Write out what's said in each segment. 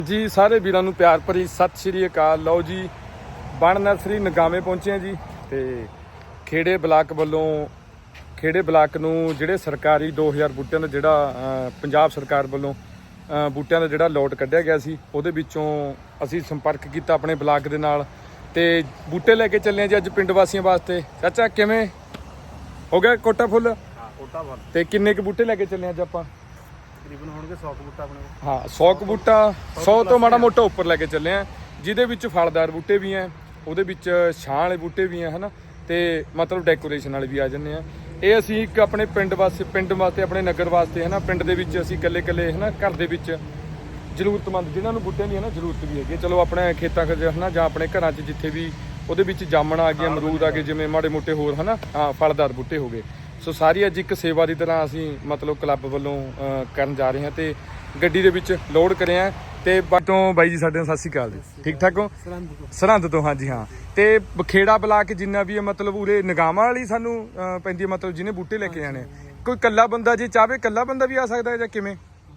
ਜੀ ਸਾਰੇ ਵੀਰਾਂ ਨੂੰ ਪਿਆਰ ਭਰੀ ਸਤਿ ਸ਼੍ਰੀ ਅਕਾਲ। ਲਓ ਜੀ ਬਣ ਨਰਸਰੀ ਨਗਾਵੇਂ ਪਹੁੰਚੇ ਆ ਜੀ ਤੇ ਖੇੜੇ ਬਲਾਕ ਵੱਲੋਂ ਖੇੜੇ ਬਲਾਕ ਨੂੰ ਜਿਹੜੇ ਸਰਕਾਰੀ 2000 ਬੂਟਿਆਂ ਦਾ ਜਿਹੜਾ ਪੰਜਾਬ ਸਰਕਾਰ ਵੱਲੋਂ ਬੂਟਿਆਂ ਦਾ ਜਿਹੜਾ ਲੋਟ ਕੱਢਿਆ ਗਿਆ ਸੀ ਉਹਦੇ ਵਿੱਚੋਂ ਅਸੀਂ ਸੰਪਰਕ ਕੀਤਾ ਆਪਣੇ ਬਲਾਕ ਦੇ ਨਾਲ ਤੇ ਬੂਟੇ ਲੈ ਕੇ ਚੱਲੇ ਆ ਜੀ ਅੱਜ ਪਿੰਡ ਵਾਸੀਆਂ ਵਾਸਤੇ। ਚਾਚਾ ਕਿਵੇਂ ਹੋ ਗਿਆ ਕੋਟਾ ਫੁੱਲ? ਹਾਂ ਕੋਟਾ ਫੁੱਲ। ਤੇ ਕਿੰਨੇ ਕੁ ਬੂਟੇ ਲੈ ਕੇ ਚੱਲੇ ਅੱਜ ਆਪਾਂ? ਤਕਰੀਬਨ ਹੋਣਗੇ 100 ਬੂਟਾ ਆਪਣੇ ਕੋਲ। ਹਾਂ 100 ਕੁ ਬੂਟਾ 100 ਤੋਂ ਮਾੜਾ ਮੋਟਾ ਉੱਪਰ ਲੈ ਕੇ ਚੱਲੇ ਆ ਜਿਹਦੇ ਵਿੱਚ ਫਲਦਾਰ ਬੂਟੇ ਵੀ ਆ ਉਹਦੇ ਵਿੱਚ ਛਾਂ ਵਾਲੇ ਬੂਟੇ ਵੀ ਆ ਹਨਾ ਤੇ ਮਤਲਬ ਡੈਕੋਰੇਸ਼ਨ ਵਾਲੇ ਵੀ ਆ ਜਾਂਦੇ ਆ। ਇਹ ਅਸੀਂ ਇੱਕ ਆਪਣੇ ਪਿੰਡ ਵਾਸਤੇ ਆਪਣੇ ਨਗਰ ਵਾਸਤੇ ਹਨਾ ਪਿੰਡ ਦੇ ਵਿੱਚ ਅਸੀਂ ਇਕੱਲੇ ਹਨਾ ਘਰ ਦੇ ਵਿੱਚ ਜ਼ਰੂਰਤਮੰਦ ਜਿਨ੍ਹਾਂ ਨੂੰ ਬੂਟਿਆਂ ਦੀ ਹਨਾ ਜ਼ਰੂਰਤ ਵੀ ਹੈਗੀ ਚਲੋ ਆਪਣੇ ਖੇਤਾਂ 'ਚ ਹਨਾ ਜਾਂ ਆਪਣੇ ਘਰਾਂ 'ਚ ਜਿੱਥੇ ਵੀ ਉਹਦੇ ਵਿੱਚ ਜਾਮਣ ਆ ਗਏ ਅਮਰੂਦ ਆ ਗਏ ਜਿਵੇਂ ਮਾੜੇ ਮੋਟੇ ਹੋਰ ਹਨਾ ਫਲਦਾਰ ਬੂਟੇ ਹੋ ਗਏ। ਸੋ ਸਾਰੀ ਅੱਜ ਇੱਕ ਸੇਵਾ ਦੀ ਤਰ੍ਹਾਂ ਅਸੀਂ ਮਤਲਬ ਕਲੱਬ ਵੱਲੋਂ ਕਰਨ ਜਾ ਰਹੇ ਹਾਂ ਤੇ ਗੱਡੀ ਦੇ ਵਿੱਚ ਲੋਡ ਕਰਿਆ ਤੇ ਬਾਟੋਂ ਬਾਈ ਜੀ ਸਾਡੇ ਨਾਲ ਸਤਿ ਸ਼੍ਰੀ ਅਕਾਲ ਜੀ। ਠੀਕ ਠਾਕ ਹੋ? ਸਰਹੰਦ ਤੋਂ ਹਾਂਜੀ ਹਾਂ। ਤੇ ਖੇੜਾ ਬਲਾਕ ਜਿੰਨਾ ਵੀ ਹੈ ਮਤਲਬ ਉਰੇ ਨਗਾਵਾਂ ਵਾਲੀ ਸਾਨੂੰ ਪੈਂਦੀ ਹੈ ਮਤਲਬ ਜਿਹਨੇ ਬੂਟੇ ਲੈ ਕੇ ਜਾਣੇ ਕੋਈ ਇਕੱਲਾ ਬੰਦਾ ਜੇ ਚਾਹਵੇ ਇਕੱਲਾ ਬੰਦਾ ਵੀ ਆ ਸਕਦਾ ਹੈ ਜਾਂ ਕਿਵੇਂ?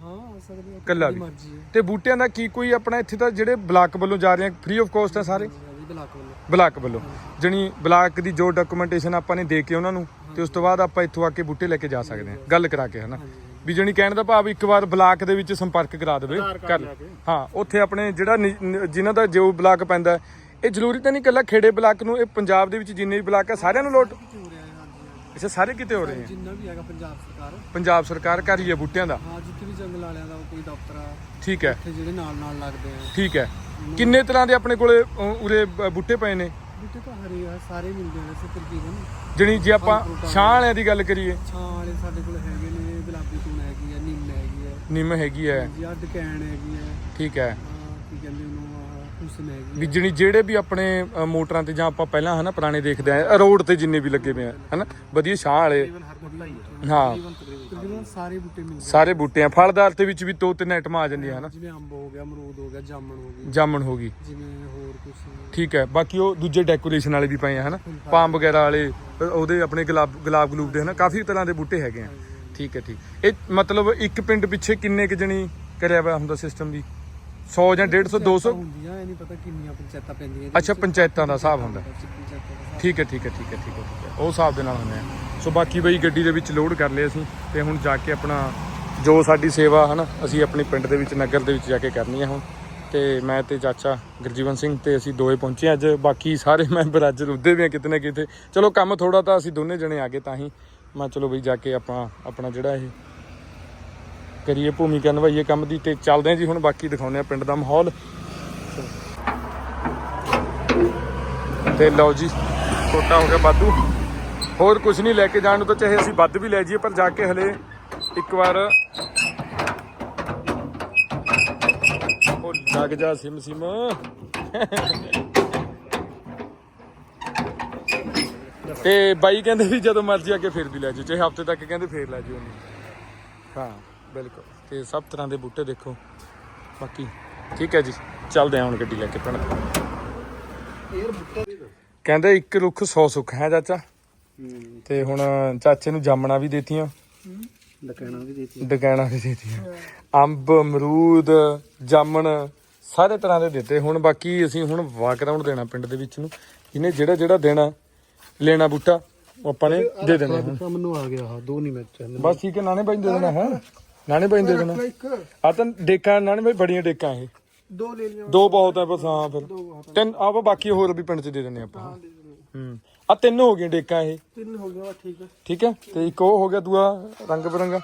ਇਕੱਲਾ ਵੀ। ਤੇ ਬੂਟਿਆਂ ਦਾ ਕੀ ਕੋਈ ਆਪਣਾ ਇੱਥੇ ਤਾਂ ਜਿਹੜੇ ਬਲਾਕ ਵੱਲੋਂ ਜਾ ਰਹੇ ਆ ਫ੍ਰੀ ਆਫ ਕੋਸਟ ਹੈ ਸਾਰੇ ਬਲਾਕ ਵੱਲੋਂ ਜਣੀ ਬਲਾਕ ਦੀ ਜੋ ਡਾਕੂਮੈਂਟੇਸ਼ਨ ਆਪਾਂ ਨੇ ਦੇ ਕੇ ਉਹਨਾਂ ਨੂੰ ਤੇ ਉਸ ਤੋਂ ਬਾਅਦ ਆਪਾਂ ਇੱਥੋਂ ਆ ਕੇ ਬੂਟੇ ਲੈ ਕੇ ਜਾ ਸਕਦੇ ਹਾਂ ਗੱਲ ਕਰਾ ਕੇ ਹਨਾ ਵੀ ਜਣੀ ਕਹਿਣ ਦਾ ਭਾਵ ਇੱਕ ਵਾਰ ਬਲਾਕ ਦੇ ਵਿੱਚ ਸੰਪਰਕ ਕਰਾ ਦੇਵੇ ਕਰ ਹਾਂ ਉੱਥੇ ਆਪਣੇ ਜਿਹੜਾ ਜਿਨ੍ਹਾਂ ਦਾ ਜੋ ਬਲਾਕ ਪੈਂਦਾ ਇਹ ਜ਼ਰੂਰੀ ਤਾਂ ਨਹੀਂ ਇਕੱਲਾ ਖੇੜੇ ਬਲਾਕ ਨੂੰ ਇਹ ਪੰਜਾਬ ਦੇ ਵਿੱਚ ਜਿੰਨੇ ਵੀ ਬਲਾਕ ਹੈ ਸਾਰਿਆਂ ਨੂੰ ਲੋਟ ਅੱਛਾ ਸਾਰੇ ਕਿਤੇ ਹੋ ਰਹੇ ਆ ਜਿੰਨਾ ਵੀ ਹੈਗਾ ਪੰਜਾਬ ਸਰਕਾਰ ਕਰ ਰਹੀ ਹੈ ਬੂਟਿਆਂ ਦਾ ਹਾਂ ਜਿੱਥੇ ਵੀ ਜੰਗਲ ਵਾਲਿਆਂ ਦਾ ਕੋਈ ਦਫ਼ਤਰ ਆ ਠੀਕ ਹੈ ਜਿਹੜੇ ਨਾਲ ਲੱਗਦੇ ਆ ਠੀਕ ਹੈ ਕਿੰਨੇ ਤਰ੍ਹਾਂ ਦੇ ਆਪਣੇ ਕੋਲੇ ਉਰੇ ਬੂਟੇ ਪਏ ਨੇ? ਬੂਟੇ ਤਾਂ ਹਰੇ ਆ ਸਾਰੇ ਮਿਲਦੇ ਨੇ ਤਕਰੀਬਨ ਜਣੀ ਜੇ ਆਪਾਂ ਛਾਂ ਵਾਲਿਆਂ ਦੀ ਗੱਲ ਕਰੀਏ ਛਾਂ ਵਾਲੇ ਸਾਡੇ ਕੋਲ ਹੈਗੇ ਨੇ ਗੁਲਾਬੀ ਤੂਨ ਹੈਗੀ ਆ ਨਿੰਮ ਹੈਗੀ ਹੈ ਜੀ ਡਕੈਣ ਹੈਗੀ ਹੈ ਠੀਕ ਹੈ ਕੀ ਕਹਿੰਦੇ ਉਹਨੂੰ ਹੁਸਨ ਹੈਗੀ ਵੀ ਜਣੀ ਜਿਹੜੇ ਵੀ ਆਪਣੇ ਮੋਟਰਾਂ ਤੇ ਜਾਂ ਆਪਾਂ ਪਹਿਲਾਂ ਹਨਾ ਪੁਰਾਣੇ ਦੇਖਦੇ ਆ ਰੋਡ ਤੇ ਜਿੰਨੇ ਵੀ ਲੱਗੇ ਪਏ ਆ ਹਨਾ ਵਧੀਆ ਛਾਂ ਵਾਲੇ ਹਾਂ ਤਕਰੀਬਨ ਸਾਰੇ ਬੂਟੇ ਆ ਫਲਦਾਰ ਦੇ ਵਿੱਚ ਵੀ 2-3 ਆਈਟਮਾਂ ਆ ਜਾਂਦੀਆਂ ਹਨਾ ਜਿਵੇਂ ਅੰਬ ਹੋ ਗਿਆ ਅਮਰੂਦ ਹੋ ਗਿਆ ਜਾਮਣ ਹੋ ਗਈ ਜਿਵੇਂ ਹੋਰ ਕੁਝ ਠੀਕ ਹੈ। ਬਾਕੀ ਉਹ ਦੂਜੇ ਡੈਕੋਰੇਸ਼ਨ ਵਾਲੇ ਵੀ ਪਏ ਆ ਹਨਾ ਪਾਮ ਵਗੈਰਾ ਵਾਲੇ ਉਹਦੇ ਆਪਣੇ ਗੁਲਾਬ ਗਲੂਬ ਦੇ ਹਨਾ ਕਾਫੀ ਤਰ੍ਹਾਂ ਦੇ ਬੂਟੇ ਹੈਗੇ ਆ ਠੀਕ ਹੈ ਠੀਕ। ਇਹ ਮਤਲਬ ਇੱਕ ਪਿੰਡ ਪਿੱਛੇ ਕਿੰਨੇ ਕੁ ਜਣੀ ਕਰਿਆ ਹੋਇਆ ਹੁੰਦਾ ਸਿਸਟਮ ਵੀ 100 ਜਾਂ 150 200 ਹੁੰਦੀਆਂ ਇਹ ਨਹੀਂ ਪਤਾ ਕਿੰਨੀਆਂ ਪੰਚਾਇਤਾਂ ਪੈਂਦੀਆਂ ਅੱਛਾ ਪੰਚਾਇਤਾਂ ਦਾ ਹਿਸਾਬ ਹੁੰਦਾ ਠੀਕ ਹੈ ਉਹ ਹਿਸਾਬ ਦੇ ਨਾਲ ਹੁੰਦੇ ਆ। ਸੋ ਬਾਕੀ ਬਈ ਗੱਡੀ ਦੇ ਵਿੱਚ ਲੋਡ ਕਰ ਲਿਆ ਅਸੀਂ ਤੇ ਹੁਣ ਜਾ ਕੇ ਆਪਣਾ ਜੋ ਸਾਡੀ ਸੇਵਾ ਹਨਾ ਅਸੀਂ ਆਪਣੇ ਪਿੰਡ ਦੇ ਵਿੱਚ ਨਗਰ ਦੇ ਵਿੱਚ ਜਾ ਕੇ ਕਰਨੀ ਆ ਹੁਣ ਤੇ ਮੈਂ ਤੇ ਚਾਚਾ ਗੁਰਜੀਵਨ ਸਿੰਘ ਤੇ ਅਸੀਂ ਦੋਏ ਪਹੁੰਚੇ ਅੱਜ ਬਾਕੀ ਸਾਰੇ ਮੈਂਬਰ ਅੱਜ ਰੁੱਦੇ ਵੀ ਆ ਕਿਤੇ ਨਾ ਕਿਤੇ ਚਲੋ ਕੰਮ ਥੋੜਾ ਤਾਂ ਅਸੀਂ ਦੋਨੇ ਜਣੇ ਆ ਗਏ ਤਾਂ ਹੀ ਮੈਂ ਚਲੋ ਬਈ ਜਾ ਕੇ ਆਪਾਂ ਆਪਣਾ ਜਿਹੜਾ ਇਹ ਕਰੀਏ ਭੂਮਿਕਾ ਨਿਭਾਈਏ ਕੰਮ ਦੀ ਤੇ ਚੱਲਦੇ ਆ ਜੀ ਹੁਣ ਬਾਕੀ ਦਿਖਾਉਂਦੇ ਆ ਪਿੰਡ ਦਾ ਮਾਹੌਲ ਤੇ ਲਓ ਜੀ ਛੋਟਾ ਹੋ ਗਿਆ ਵਾਧੂ ਹੋਰ ਕੁਝ ਨਹੀਂ ਲੈ ਕੇ ਜਾਣ ਨੂੰ ਤਾਂ ਚਾਹੇ ਅਸੀਂ ਵੱਧ ਵੀ ਲੈ ਜਾਈਏ ਪਰ ਜਾ ਕੇ ਹਲੇ ਇੱਕ ਵਾਰ ਉਹ ਲੱਗ ਜਾ ਸਿਮ ਤੇ ਬਾਈ ਕਹਿੰਦੇ ਵੀ ਜਦੋਂ ਮਰਜ਼ੀ ਆ ਕੇ ਫਿਰ ਵੀ ਲੈ ਜਾਓ ਚਾਹੇ ਹਫਤੇ ਤੱਕ ਕਹਿੰਦੇ ਫੇਰ ਲੈ ਜਾਓ ਹਾਂ ਬਿਲਕੁਲ ਤੇ ਸਭ ਤਰ੍ਹਾਂ ਦੇ ਬੂਟੇ ਦੇਖੋ ਬਾਕੀ ਠੀਕ ਹੈ ਜੀ ਚੱਲਦੇ ਹਾਂ ਹੁਣ ਗੱਡੀ ਲੈ ਕੇ ਪਿੰਡ ਕਹਿੰਦੇ ਇੱਕ ਰੁੱਖ 100 ਸੁੱਖ ਹੈ ਚਾਚਾ ਤੇ ਹੁਣ ਚਾਚੇ ਨੂੰ ਜਾਮਣਾ ਵੀ ਦੇਤੀਆਂ ਡਕੈਣਾ ਵੀ ਦੇਤੀਆਂ ਅੰਬ ਅਮਰੂਦ ਜਾਮਣ ਸਾਰੇ ਤਰ੍ਹਾਂ ਦੇ ਦਿੱਤੇ ਹੁਣ ਬਾਕੀ ਅਸੀਂ ਹੁਣ ਵਾਕ ਰਾਉਂਡ ਦੇਣਾ ਪਿੰਡ ਦੇ ਵਿੱਚ ਨੂੰ ਇਹਨੇ ਜਿਹੜਾ ਦੇਣਾ ਲੈਣਾ ਬੂਟਾ ਉਹ ਆਪਾਂ ਨੇ ਦੇ ਦੇਣਾ ਹੁਣ ਮੈਨੂੰ ਆ ਗਿਆ 2 ਨਹੀਂ ਮੈਚ ਬਸ ਠੀਕ ਹੈ ਨਾਨੇ ਬਾਈ ਦੇ ਦੇਣਾ ਹੈ ਨਾਨੇ ਬਾਈ ਦੇ ਦੇਣਾ ਆ ਤਾਂ ਡੇਕਾਂ ਨਾਨੇ ਬਾਈ ਬੜੀਆਂ ਡੇਕਾਂ ਇਹ 2 ਲੈ ਲਿਆ 2 ਬਹੁਤ ਹੈ ਬਸ ਹਾਂ ਫਿਰ 3 ਆਪਾਂ ਬਾਕੀ ਹੋਰ ਵੀ ਪਿੰਡ 'ਚ ਦੇ ਦਿੰਦੇ ਆਪਾਂ ਆ 3 ਹੋ ਗਈਆਂ ਡੇਕਾਂ ਇਹ 3 ਹੋ ਗਿਆ ਠੀਕ ਹੈ ਤੇ ਇੱਕ ਉਹ ਹੋ ਗਿਆ ਦੂਆ ਰੰਗ ਬਰੰਗਾ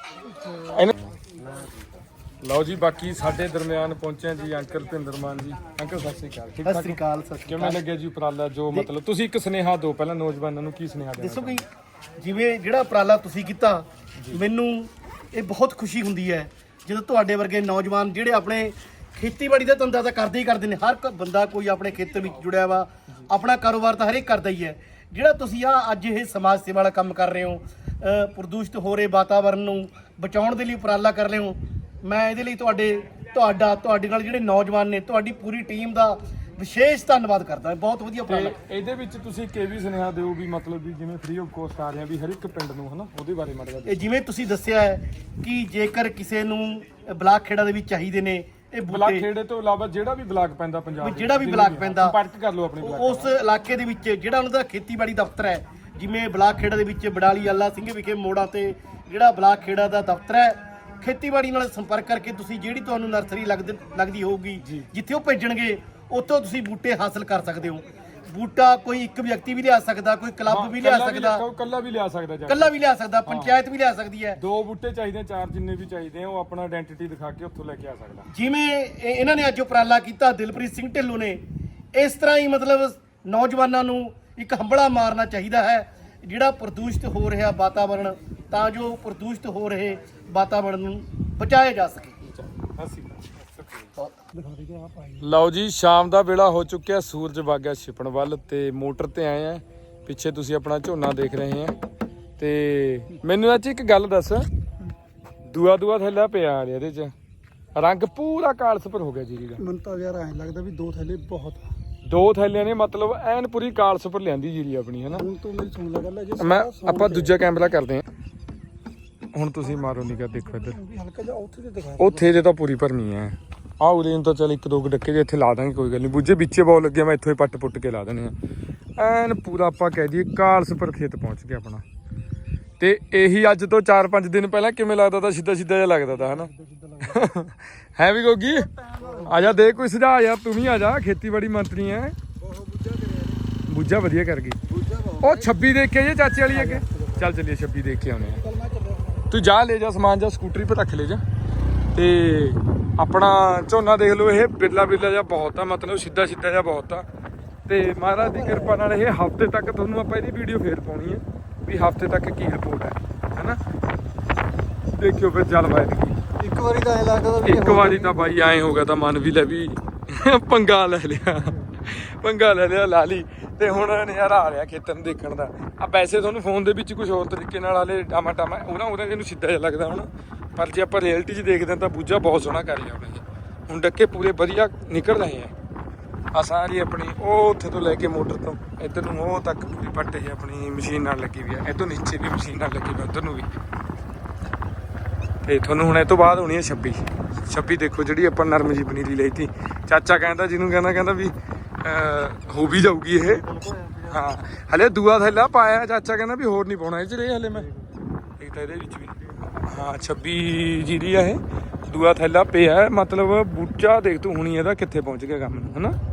ਲਓ ਜੀ ਬਾਕੀ ਸਾਡੇ ਦਰਮਿਆਨ ਪਹੁੰਚੇ ਜੀ ਅੰਕਲ ਭਿੰਦਰ ਮਾਨ ਜੀ ਅੰਕਲ ਸਤਿ ਸ੍ਰੀ ਅਕਾਲ ਠੀਕ ਸਤਿ ਸ੍ਰੀ ਅਕਾਲ ਕਿਵੇਂ ਲੱਗਿਆ ਜੀ ਉਪਰਾਲਾ ਜੋ ਮਤਲਬ ਤੁਸੀਂ ਇੱਕ ਸੁਨੇਹਾ ਦਿਓ ਪਹਿਲਾਂ ਨੌਜਵਾਨਾਂ ਨੂੰ ਕੀ ਸੁਨੇਹਾ ਦੇਣਾ ਦੱਸੋ ਕਿ ਜਿਵੇਂ ਜਿਹੜਾ ਉਪਰਾਲਾ ਤੁਸੀਂ ਕੀਤਾ ਮੈਨੂੰ ਇਹ ਬਹੁਤ ਖੁਸ਼ੀ ਹੁੰਦੀ ਹੈ ਜਦੋਂ ਤੁਹਾਡੇ ਵਰਗੇ ਨੌਜਵਾਨ ਜਿਹੜੇ ਆਪਣੇ ਖੇਤੀਬਾੜੀ ਦਾ ਧੰਦਾ ਤਾਂ ਕਰਦੇ ਹੀ ਕਰਦੇ ਨੇ ਹਰ ਬੰਦਾ ਕੋਈ ਆਪਣੇ ਖੇਤਰ ਵਿੱਚ ਜੁੜਿਆ ਵਾ ਆਪਣਾ ਕਾਰੋਬਾਰ ਤਾਂ ਹਰੇਕ ਕਰਦਾ ਹੀ ਹੈ ਜਿਹੜਾ ਤੁਸੀਂ ਅੱਜ ਇਹ ਸਮਾਜ ਸੇਵਾ ਵਾਲਾ ਕੰਮ ਕਰ ਰਹੇ ਹੋ ਪ੍ਰਦੂਸ਼ਿਤ ਹੋ ਰਹੇ ਵਾਤਾਵਰਨ ਨੂੰ ਬਚਾਉਣ ਦੇ ਲਈ ਉਪਰਾਲਾ ਕਰ ਰਹੇ ਹੋ ਮੈਂ ਇਹਦੇ ਲਈ ਤੁਹਾਡੇ ਨਾਲ ਜਿਹੜੇ ਨੌਜਵਾਨ ਨੇ ਤੁਹਾਡੀ ਪੂਰੀ ਟੀਮ ਦਾ ਵਿਸ਼ੇਸ਼ ਧੰਨਵਾਦ ਕਰਦਾ ਬਹੁਤ ਵਧੀਆ ਉਪਰਾਲਾ ਇਹਦੇ ਵਿੱਚ ਤੁਸੀਂ ਵੀ ਸੁਨੇਹਾ ਦਿਓ ਵੀ ਮਤਲਬ ਵੀ ਜਿਵੇਂ ਫ੍ਰੀ ਆਫ ਕੋਸਟ ਆ ਰਿਹਾ ਵੀ ਹਰ ਇੱਕ ਪਿੰਡ ਨੂੰ ਹਨਾ ਉਹਦੇ ਬਾਰੇ ਮਾੜਾ ਇਹ ਜਿਵੇਂ ਤੁਸੀਂ ਦੱਸਿਆ ਹੈ ਕਿ ਜੇਕਰ ਕਿਸੇ ਨੂੰ ਬਲਾਕ ਖੇੜਾ ਦੇ ਵਿੱਚ ਚਾਹੀਦੇ ਨੇ ਇਹ ਬਲਾਕ ਬੂਟੇ ਖੇੜੇ ਤੋਂ ਇਲਾਵਾ ਜਿਹੜਾ ਵੀ ਬਲਾਕ ਪੈਂਦਾ ਪੰਜਾਬ ਵੀ ਦੇ ਜਿਹੜਾ ਵੀ ਵਿੱਚ, ਬਲਾਕ ਪੈਂਦਾ, ਸੰਪਰਕ ਕਰ ਲਓ ਆਪਣੇ ਬਲਾਕ ਉਸ ਇਲਾਕੇ ਦੇ ਵਿੱਚ ਜਿਹੜਾ ਉਹਨਾਂ ਦਾ ਖੇਤੀਬਾੜੀ ਦਫ਼ਤਰ ਹੈ, ਜਿਵੇਂ ਬਲਾਕ ਖੇੜਾ ਦੇ ਵਿੱਚ ਬਡਾਲੀ ਆਲਾ ਸਿੰਘ ਵਿਖੇ ਮੋੜਾਂ ਤੇ ਜਿਹੜਾ ਬਲਾਕ ਖੇੜਾ ਦਾ ਦਫ਼ਤਰ ਹੈ, ਖੇਤੀਬਾੜੀ ਨਾਲ ਸੰਪਰਕ ਕਰਕੇ ਤੁਸੀਂ ਜਿਹੜੀ ਤੁਹਾਨੂੰ ਨਰਸਰੀ ਲੱਗਦੀ ਹੋਊਗੀ, ਜਿੱਥੇ ਉਹ ਭੇਜਣਗੇ ਉੱਥੋਂ ਤੁਸੀਂ ਬੂਟੇ ਹਾਸਲ ਕਰ ਸਕਦੇ ਹੋ। ਬੂਟਾ ਕੋਈ ਇੱਕ ਵਿਅਕਤੀ ਵੀ ਲਿਆ ਸਕਦਾ, ਕੋਈ ਕਲੱਬ ਵੀ ਲਿਆ ਸਕਦਾ, ਕੱਲਾ ਵੀ ਲਿਆ ਸਕਦਾ ਜਾ ਕੇ। ਇਕੱਲਾ ਵੀ ਲਿਆ ਸਕਦਾ, ਪੰਚਾਇਤ ਵੀ ਲਿਆ ਸਕਦੀ ਹੈ। 2 ਬੂਟੇ ਚਾਹੀਦੇ, 4 ਜਿੰਨੇ ਵੀ ਚਾਹੀਦੇ ਆ ਉਹ ਆਪਣਾ ਆਇਡੈਂਟੀਟੀ ਦਿਖਾ ਕੇ ਉੱਥੋਂ ਲੈ ਕੇ ਆ ਸਕਦਾ। ਜਿਵੇਂ ਇਹਨਾਂ ਨੇ ਅੱਜ ਉਪਰਾਲਾ ਕੀਤਾ ਦਿਲਪ੍ਰੀਤ ਸਿੰਘ ਢਿੱਲੋਂ ਨੇ, ਇਸ ਤਰ੍ਹਾਂ ਹੀ ਮਤਲਬ ਨੌਜਵਾਨਾਂ ਨੂੰ ਇੱਕ ਹੰਬੜਾ ਮਾਰਨਾ ਚਾਹੀਦਾ ਹੈ ਜਿਹੜਾ ਪ੍ਰਦੂਸ਼ਿਤ ਹੋ ਰਿਹਾ ਵਾਤਾਵਰਣ, ਤਾਂ ਜੋ ਪ੍ਰਦੂਸ਼ਿਤ ਹੋ ਰਹੇ ਵਾਤਾਵਰਣ ਨੂੰ ਬਚਾਇਆ ਜਾ ਸਕੇ। ਲਓ ਜੀ, ਸ਼ਾਮ ਦਾ ਵੇਲਾ ਹੋ ਚੁੱਕਿਆ, ਸੂਰਜ ਵਗ ਗਿਆ ਛਿਪਣ ਵੱਲ ਤੇ ਮੋਟਰ ਤੇ ਆਏ ਆ। ਪਿੱਛੇ ਤੁਸੀਂ ਆਪਣਾ ਝੋਨਾ ਦੇਖ ਰਹੇ ਆ ਤੇ ਮੈਨੂੰ ਅੱਜ ਇੱਕ ਗੱਲ ਦੱਸ, ਦੂਆ ਥੈਲਾ ਪਿਆ ਆ ਇਹਦੇ ਚ, ਰੰਗ ਪੂਰਾ ਕਾਲਸਪਰ ਹੋ ਗਿਆ ਜੀਰੀ ਦਾ। ਮੈਨੂੰ ਤਾਂ ਯਾਰ ਐਂ ਲੱਗਦਾ ਵੀ 2 ਥੈਲੇ ਬਹੁਤ ਆ। 2 ਥੈਲਿਆਂ ਨੇ ਮਤਲਬ ਐਨ ਪੂਰੀ ਕਾਲਸਪਰ ਲਿਆਂਦੀ ਜੀਰੀ ਆਪਣੀ, ਹਨਾ। ਹੁਣ ਤੂੰ ਮੇਰੀ ਸੁਣ ਲੈ ਗੱਲ, ਜੇ ਆਪਾਂ ਦੂਜਾ ਕੈਮਰਾ ਕਰਦੇ ਆ। ਹੁਣ ਤੁਸੀਂ ਮਾਰੋ ਨਿਗਾ, ਦੇਖੋ ਇੱਧਰ, ਹਲਕਾ ਜਿਹਾ ਉੱਥੇ ਤੇ ਦਿਖਾ। ਉੱਥੇ ਜੇ ਤਾਂ ਪੂਰੀ ਭਰਨੀ ਹੈ। ਆਹ ਉਰੇ ਨੂੰ ਤਾਂ ਚੱਲ 1-2 ਡੱਕੇ ਜੇ ਇੱਥੇ ਲਾ ਦਾਂਗੇ, ਕੋਈ ਗੱਲ ਨਹੀਂ। ਬੁੱਝੇ ਵਿੱਚੇ ਬਹੁਤ ਲੱਗਿਆ, ਮੈਂ ਇੱਥੋਂ ਹੀ ਪੱਟ ਕੇ ਲਾ ਦੇਣੇ ਆ। ਐਨ ਪੂਰਾ ਆਪਾਂ ਕਹਿ ਦਈਏ ਕਾਲਸਪਰ ਖੇਤ ਪਹੁੰਚ ਗਿਆ ਆਪਣਾ। ਤੇ ਇਹੀ ਅੱਜ ਤੋਂ 4-5 ਦਿਨ ਪਹਿਲਾਂ ਕਿਵੇਂ ਲੱਗਦਾ ਤਾਂ ਸਿੱਧਾ ਜਿਹਾ ਲੱਗਦਾ ਤਾਂ, ਹਨਾ। ਹੈ ਵੀ ਗੋਗੀ, ਆ ਜਾ ਦੇ ਕੋਈ ਸੁਝਾਅ ਯਾਰ, ਤੂੰ ਵੀ ਆ ਜਾ, ਖੇਤੀਬਾੜੀ ਮੰਤਰੀ ਐ। ਬੁੱਝਾ ਵਧੀਆ ਕਰ ਗਈ। ਉਹ 26 ਦੇਖ ਕੇ ਜੇ ਚਾਚੇ ਵਾਲੀ ਅੱਗੇ, ਚੱਲ ਚੱਲੀਏ 26 ਦੇਖ ਕੇ ਆਉਣੇ ਆ। ਤੂੰ ਜਾ ਲੈ ਜਾ ਸਮਾਨ, ਜਾ ਸਕੂਟਰੀ 'ਤੇ ਰੱਖ ਲੈ ਜਾ। ਤੇ ਆਪਣਾ ਝੋਨਾ ਦੇਖ ਲਓ, ਇਹ ਬਿਰਲਾ ਜਿਹਾ ਬਹੁਤ ਆ, ਮਤਲਬ ਸਿੱਧਾ ਜਿਹਾ ਬਹੁਤ ਆ। ਤੇ ਮਹਾਰਾਜ ਦੀ ਕਿਰਪਾ ਨਾਲ ਇਹ ਹਫ਼ਤੇ ਤੱਕ ਤੁਹਾਨੂੰ ਆਪਾਂ ਇਹਦੀ ਵੀਡੀਓ ਫੇਰ ਪਾਉਣੀ ਹੈ ਵੀ ਹਫ਼ਤੇ ਤੱਕ ਕੀ ਰਿਪੋਰਟ ਹੈ, ਹੈਨਾ। ਦੇਖਿਓ ਫਿਰ ਜਲਵਾਯੂ ਇੱਕ ਵਾਰੀ ਤਾਂ ਐਂ ਲੱਗਦਾ ਵੀ ਇੱਕ ਵਾਰੀ ਤਾਂ ਬਾਈ ਐਂ ਹੋ ਗਿਆ ਤਾਂ ਮਨ ਵੀ ਲੈ ਵੀ ਪੰਗਾ ਲੈ ਲਿਆ ਲਾ ਲਈ। ਤੇ ਹੁਣ ਨਜ਼ਾਰਾ ਆ ਰਿਹਾ ਖੇਤਰ ਨੂੰ ਦੇਖਣ ਦਾ। ਆ ਵੈਸੇ ਤੁਹਾਨੂੰ ਫੋਨ ਦੇ ਵਿੱਚ ਕੁਝ ਹੋਰ ਤਰੀਕੇ ਨਾਲ ਹਾਲੇ ਟਾਮਾ ਉਹਦਾ ਜਿਹਨੂੰ ਸਿੱਧਾ ਜਿਹਾ ਲੱਗਦਾ ਹੁਣ, ਪਰ ਜੇ ਆਪਾਂ ਰਿਐਲਿਟੀ 'ਚ ਦੇਖਦੇ ਹਾਂ ਤਾਂ ਬੂਝਾ ਬਹੁਤ ਸੋਹਣਾ ਕਰ ਰਿਹਾ ਉਹਨੇ। ਹੁਣ ਡੱਕੇ ਪੂਰੇ ਵਧੀਆ ਨਿਕਲ ਰਹੇ ਆ ਸਾਰੀ ਆਪਣੀ, ਉਹ ਉੱਥੇ ਤੋਂ ਲੈ ਕੇ ਮੋਟਰ ਤੋਂ ਇੱਧਰ ਨੂੰ ਉਹ ਤੱਕ ਪੂਰੀ ਪੱਟ ਇਹ ਆਪਣੀ ਮਸ਼ੀਨ ਨਾਲ ਲੱਗੀ ਵੀ ਆ। ਇੱਧਰ ਨੀਚੇ ਵੀ ਮਸ਼ੀਨ ਨਾਲ ਲੱਗੀ ਵੀ, ਉੱਧਰ ਨੂੰ ਵੀ। ਤੇ ਤੁਹਾਨੂੰ ਹੁਣ ਇਹ ਤੋਂ ਬਾਅਦ ਹੋਣੀ ਹੈ 26 ਦੇਖੋ, ਜਿਹੜੀ ਆਪਾਂ ਨਰਮ ਜੀ ਪਨੀਰੀ ਲਈ ਤੀ। ਚਾਚਾ ਕਹਿੰਦਾ, ਜਿਹਨੂੰ ਕਹਿੰਦਾ ਵੀ ਹੋ ਵੀ ਜਾਊਗੀ ਇਹ। ਹਾਂ, ਹਲੇ ਦੂਆ ਥੈਲਾ ਪਾਇਆ, ਚਾਚਾ ਕਹਿੰਦਾ ਵੀ ਹੋਰ ਨਹੀਂ ਪਾਉਣਾ ਇਹ 'ਚ ਰੇ ਹਲੇ ਮੈਂ। ਇੱਕ ਤਾਂ ਇਹਦੇ ਵਿੱਚ ਵੀ ਹਾਂ 26 ਜੀਰੀ ਆ ਇਹ, ਦੂਆ ਥੈਲਾ ਪਿਆ, ਮਤਲਬ ਬੂਝਾ ਦੇਖ ਤੂੰ ਹੁਣੀ ਇਹਦਾ ਕਿੱਥੇ ਪਹੁੰਚ ਗਿਆ ਕੰਮ ਨੂੰ, ਹਨਾ।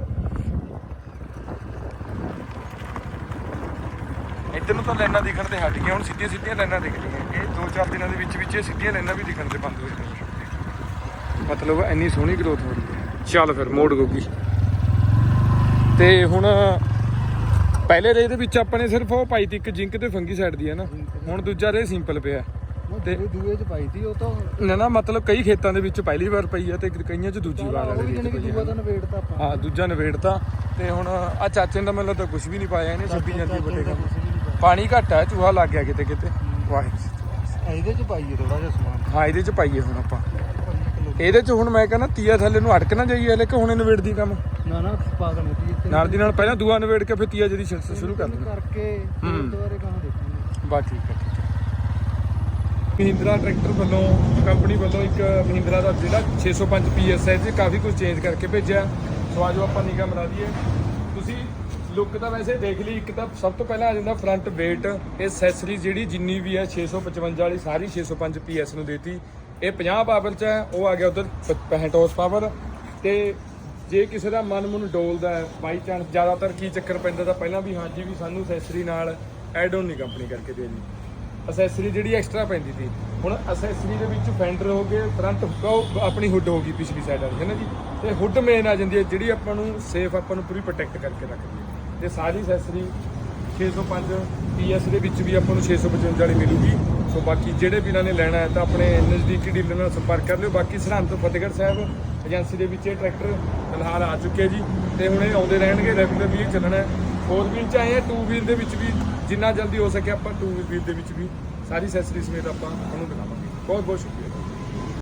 ਇੱਧਰ ਨੂੰ ਤਾਂ ਲਾਈਨਾਂ ਦਿਖਣ ਤੇ ਹਟ ਗਈਆਂ, ਹੁਣ ਸਿੱਧੀਆਂ ਲਾਈਨਾਂ ਦਿਖ ਰਹੀਆਂ। ਇਹ 2-4 ਦਿਨਾਂ ਦੇ ਵਿੱਚ ਇਹ ਸਿੱਧੀਆਂ ਲਾਈਨਾਂ ਵੀ ਦਿਖਣ ਤੇ ਬੰਦ ਹੋ ਜਾਣੀਆਂ, ਮਤਲਬ ਇੰਨੀ ਸੋਹਣੀ ਗਰੋਥ ਹੋ ਰਹੀ ਹੈ। ਚੱਲ ਫਿਰ ਮੋੜ ਗੋਗੀ। ਤੇ ਹੁਣ ਪਹਿਲੇ ਰੇ ਦੇ ਵਿੱਚ ਆਪਾਂ ਨੇ ਸਿਰਫ ਉਹ ਪਾਈ ਤੀ ਇੱਕ ਜਿੰਕ ਤੇ ਫੰਗੀ ਸਾਈਡ ਦੀ, ਹੈ ਨਾ। ਹੁਣ ਦੂਜਾ ਰੇ ਸਿੰਪਲ ਪਿਆ ਤੇ ਦੂਏ 'ਚ ਪਾਈ ਤੀ ਉਹ ਤਾਂ ਨਾ ਮਤਲਬ ਕਈ ਖੇਤਾਂ ਦੇ ਵਿੱਚ ਪਹਿਲੀ ਵਾਰ ਪਈ ਆ ਤੇ ਕਈਆਂ 'ਚ ਦੂਜੀ ਵਾਰ ਵਾਲੇ ਵਿੱਚ ਪਈ ਦੂਆ ਤਾਂ ਨਵੇੜਤਾ ਆਪਾਂ। ਹਾਂ, ਦੂਜਾ ਨਵੇੜਤਾ। ਤੇ ਹੁਣ ਆ ਚਾਚੇ ਦਾ ਮੈਨੂੰ ਤਾਂ ਕੁਝ ਵੀ ਨਹੀਂ ਪਾਇਆ ਇਹਨੇ, ਛੱਬੀ ਜਾਂਦੀ ਵੱਡੇ ਪਾਣੀ ਘੱਟ ਆ, ਚੂਹਾ ਲੱਗ ਗਿਆ ਕਿਤੇ ਵਾਹਿਗੁਰੂ। ਇਹਦੇ 'ਚ ਪਾਈਏ ਥੋੜਾ ਜਿਹਾ ਸਮਾਨ। ਹਾਂ, ਇਹਦੇ 'ਚ ਪਾਈਏ ਹੁਣ ਆਪਾਂ। ਇਹਦੇ 'ਚ ਹੁਣ ਮੈਂ ਕਹਿੰਦਾ ਤੀਆ ਥੱਲੇ ਨੂੰ ਅਟਕ ਨਾ ਜਾਈਏ ਹਲੇ, ਕਿ ਹੁਣੇ ਨਵੇੜਦੀ ਕੰਮ ਨਾ ਪਾ ਦੇਣਾ ਨਾਲ ਦੀ ਨਾਲ। ਪਹਿਲਾਂ ਦੂਆ ਨਵੇੜ ਕੇ ਫਿਰ ਤੀਆ ਜਿਹੜੀ ਸ਼ੁਰੂ ਕਰ ਦੇਣਾ ਕਰਕੇ ਦੁਬਾਰੇ ਕਹਾਂ ਦੇਖਾਂਗੇ। ਬਸ ਠੀਕ ਹੈ। ਮਹਿੰਦਰਾ ਟਰੈਕਟਰ ਵੱਲੋਂ, ਕੰਪਨੀ ਵੱਲੋਂ ਇੱਕ ਮਹਿੰਦਰਾ ਦਾ ਜਿਹੜਾ 605 PSI 'ਚ ਕਾਫੀ ਕੁਝ ਚੇਂਜ ਕਰਕੇ ਭੇਜਿਆ। ਸੋ ਆਜੋ ਆਪਾਂ ਨਿਗਾਹ ਮਰਾ ਦਈਏ। ਤੁਸੀਂ ਲੁੱਕ ਤਾਂ ਵੈਸੇ ਦੇਖ ਲਈ। ਇੱਕ ਤਾਂ ਸਭ ਤੋਂ ਪਹਿਲਾਂ ਆ ਜਾਂਦਾ ਫਰੰਟ ਵੇਟ। ਇਹ ਐਕਸੈਸਰੀ ਜਿਹੜੀ ਜਿੰਨੀ ਵੀ ਹੈ 655 ਵਾਲੀ ਸਾਰੀ 605 PS ਨੂੰ ਦੇਤੀ। ਇਹ 50 ਪਾਵਰ 'ਚ ਹੈ, ਉਹ ਆ ਗਿਆ ਉਧਰ 65 ਹਾਰਸ ਪਾਵਰ। ਤੇ ਜੇ ਕਿਸੇ ਦਾ ਮਨ ਡੋਲਦਾ ਹੈ ਬਾਈ ਚਾਂਸ, ਜ਼ਿਆਦਾਤਰ ਕੀ ਚੱਕਰ ਪੈਂਦਾ ਤਾਂ ਪਹਿਲਾਂ ਵੀ ਹਾਂਜੀ ਵੀ ਸਾਨੂੰ ਐਕਸੈਸਰੀ ਨਾਲ ਐਡ ਆਨ ਨਹੀਂ ਕੰਪਨੀ ਕਰਕੇ ਦੇਣੀ, ਅਸੈਸਰੀ ਜਿਹੜੀ ਐਕਸਟਰਾ ਪੈਂਦੀ ਸੀ। ਹੁਣ ਅਸੈਸਰੀ ਦੇ ਵਿੱਚ ਫੈਂਡਰ ਹੋ ਗਏ, ਫਰੰਟ ਹੁੱਕ ਆਪਣੀ ਹੁੱਡ ਹੋ ਗਈ ਪਿਛਲੀ ਸਾਈਡ ਵਾਲੀ, ਹੈ ਨਾ ਜੀ। ਤੇ ਹੁੱਡ ਮੇਨ ਆ ਜਾਂਦੀ ਹੈ ਜਿਹੜੀ ਆਪਾਂ ਨੂੰ ਸੇਫ, ਆਪਾਂ ਨੂੰ ਪੂਰੀ ਪ੍ਰੋਟੈਕਟ ਕਰਕੇ ਰੱਖਦੀ ਹੈ। ਤੇ ਸਾਰੀ ਅਸੈਸਰੀ 605 PS ਦੇ ਵਿੱਚ ਵੀ ਆਪਾਂ ਨੂੰ 655 ਵਾਲੀ ਮਿਲੂਗੀ। ਸੋ ਬਾਕੀ ਜਿਹੜੇ ਵੀ ਇਹਨਾਂ ਨੇ ਲੈਣਾ ਹੈ ਤਾਂ ਆਪਣੇ ਨਜ਼ਦੀਕੀ ਡੀਲਰ ਨਾਲ ਸੰਪਰਕ ਕਰ ਲਿਓ। ਬਾਕੀ ਸਰਹੰਦ ਤੋਂ ਫਤਿਹਗੜ੍ਹ ਸਾਹਿਬ ਏਜੰਸੀ ਦੇ ਵਿੱਚ ਇਹ ਟਰੈਕਟਰ ਫਿਲਹਾਲ ਆ ਚੁੱਕੇ ਜੀ, ਤੇ ਹੁਣ ਇਹ ਆਉਂਦੇ ਰਹਿਣਗੇ, ਰੈਗੂਲਰ ਵੀ ਇਹ ਚੱਲਣਾ ਹੈ। 4 ਵੀਲ 'ਚ ਆਏ ਆ, 2 ਵੀਲ ਦੇ ਵਿੱਚ ਵੀ ਜਿੰਨਾ ਜਲਦੀ ਹੋ ਸਕੇ ਆਪਾਂ 2 ਵੀਲ ਦੇ ਵਿੱਚ ਵੀ ਸਾਰੀ ਅਸੈਸਰੀ ਸਮੇਤ ਆਪਾਂ ਉਹਨੂੰ ਦਿਖਾਵਾਂਗੇ। ਬਹੁਤ ਬਹੁਤ ਸ਼ੁਕਰੀਆ।